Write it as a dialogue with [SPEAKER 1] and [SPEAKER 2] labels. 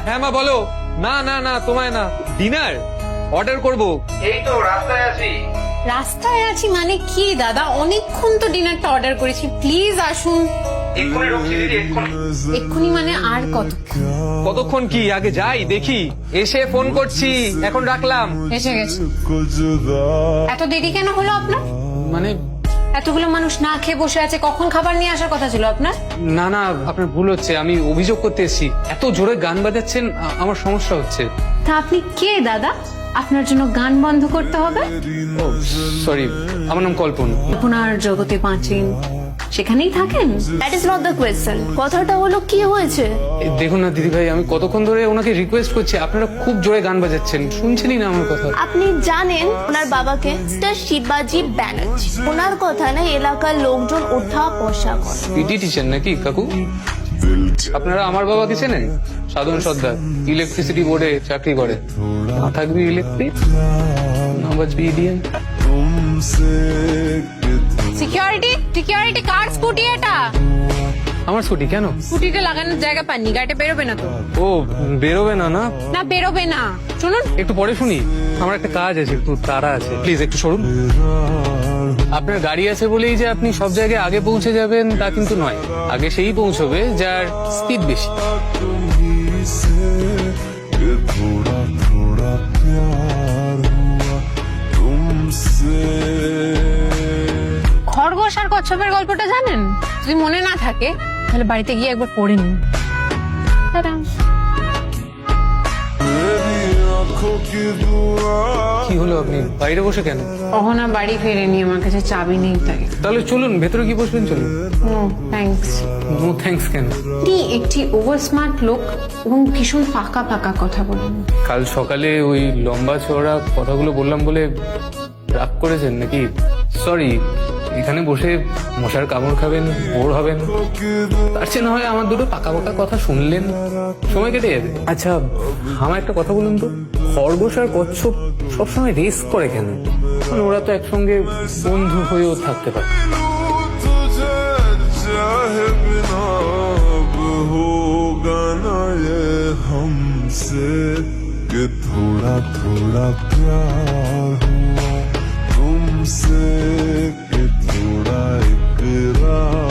[SPEAKER 1] হ্যাঁ মা বলো। না না না তোমায় না, ডিনার অর্ডার করব। এই তো রাস্তায় আছি।
[SPEAKER 2] রাস্তায় আছি মানে কি দাদা? অনেকক্ষণ তো ডিনারটা অর্ডার করেছি, প্লিজ আসুন। এক্ষুনি মানে আর
[SPEAKER 1] কতক্ষণ কি? আগে যাই দেখি, এসে ফোন করছি। এখন রাখলাম।
[SPEAKER 2] এসে গেছে। এত দেরি কেন হলো আপনার?
[SPEAKER 1] মানে
[SPEAKER 2] এতগুলো মানুষ না খেয়ে বসে আছে, কখন খাবার নিয়ে আসার কথা ছিল আপনার?
[SPEAKER 1] না না, আপনার ভুল হচ্ছে। আমি অভিযোগ করতে এসেছি, এত জোরে গান বাজাচ্ছেন, আমার সমস্যা হচ্ছে।
[SPEAKER 2] তা আপনি কে দাদা? আপনার জন্য গান বন্ধ করতে হবে?
[SPEAKER 1] সরি, আমার নাম কল্পন।
[SPEAKER 2] আপনার জগতে বাঁচেন, সেখানেই থাকেন।
[SPEAKER 3] That is not the question. কথাটা হলো কি হয়েছে?
[SPEAKER 1] দেখুন না দিদি ভাই, আমি কতক্ষণ ধরে ওনাকে রিকোয়েস্ট করছি, আপনারা খুব জোরে গান বাজাচ্ছেন, শুনছেনই না আমার কথা।
[SPEAKER 3] আপনি জানেন ওনার বাবাকে মিস্টার শিবাজি ব্যানার্জি, ওনার কথা না এলাকার লোকজন ওঠা বসা করে।
[SPEAKER 1] পিটি টিচার নাকি কাকু? আপনারা আমার বাবাকে চেনেন? সাধন সর্দার, ইলেকট্রিসিটি বোর্ডে চাকরি করে। না থাকবি ইলেকট্রিক, না বাজবি ইডিএম।
[SPEAKER 2] সিকিউরিটি কার স্কুটি এটা?
[SPEAKER 1] আমার স্কুটি কেন?
[SPEAKER 2] স্কুটিতে লাগানোর জায়গা পাননি, গাড়িটা বেরোবে না তো।
[SPEAKER 1] ও বেরোবে না? না
[SPEAKER 2] না বেরোবে না, শুনুন।
[SPEAKER 1] একটু পরে শুনি, আমার একটা কাজ আছে, একটু তাড়া আছে, প্লিজ একটু সরুন। আপনার গাড়ি আছে বলেই যে আপনি সব জায়গায় আগে পৌঁছে যাবেন তা কিন্তু নয়। আগে সেই পৌঁছবে যার স্পিড বেশি।
[SPEAKER 2] খরগোশ আর কচ্ছপের গল্পটা জানেন? যদি মনে না থাকে তাহলে বাড়িতে গিয়ে একবার পড়ে নিন। টাটা।
[SPEAKER 1] কি হলো, আপনি বাইরে বসে কেন?
[SPEAKER 2] অহনা বাড়ি ফেরেনি, আমার কাছে চাবি নেই তাই।
[SPEAKER 1] তাহলে চলুন ভেতরে কি বসবেন, চলুন।
[SPEAKER 2] No thanks.
[SPEAKER 1] নো থ্যাঙ্কস কেন?
[SPEAKER 2] একটি ওভার স্মার্ট লোক এবং ভীষণ ফাঁকা ফাঁকা কথা বলেন।
[SPEAKER 1] কাল সকালে ওই লম্বা চওড়া কথাগুলো বললাম বলে রাগ করেছেন নাকি? সরি, এখানে বসে মশার কামড় খাবেন, বোর হবেন, তার চেয়ে না হয় আমার দুটো পাকা পাকা কথা শুনলেন, সময় কেটে যাবে। আচ্ছা আমার একটা কথা বলুন তো, খরগোশ আর কচ্ছপ সবসময় রেস করে কেন? মানে ওরা তো একসঙ্গে বন্ধু হয়েও থাকতে পারে।
[SPEAKER 4] थोड़ा थोड़ा प्यार हुआ तुमसे कि थोड़ा इकरार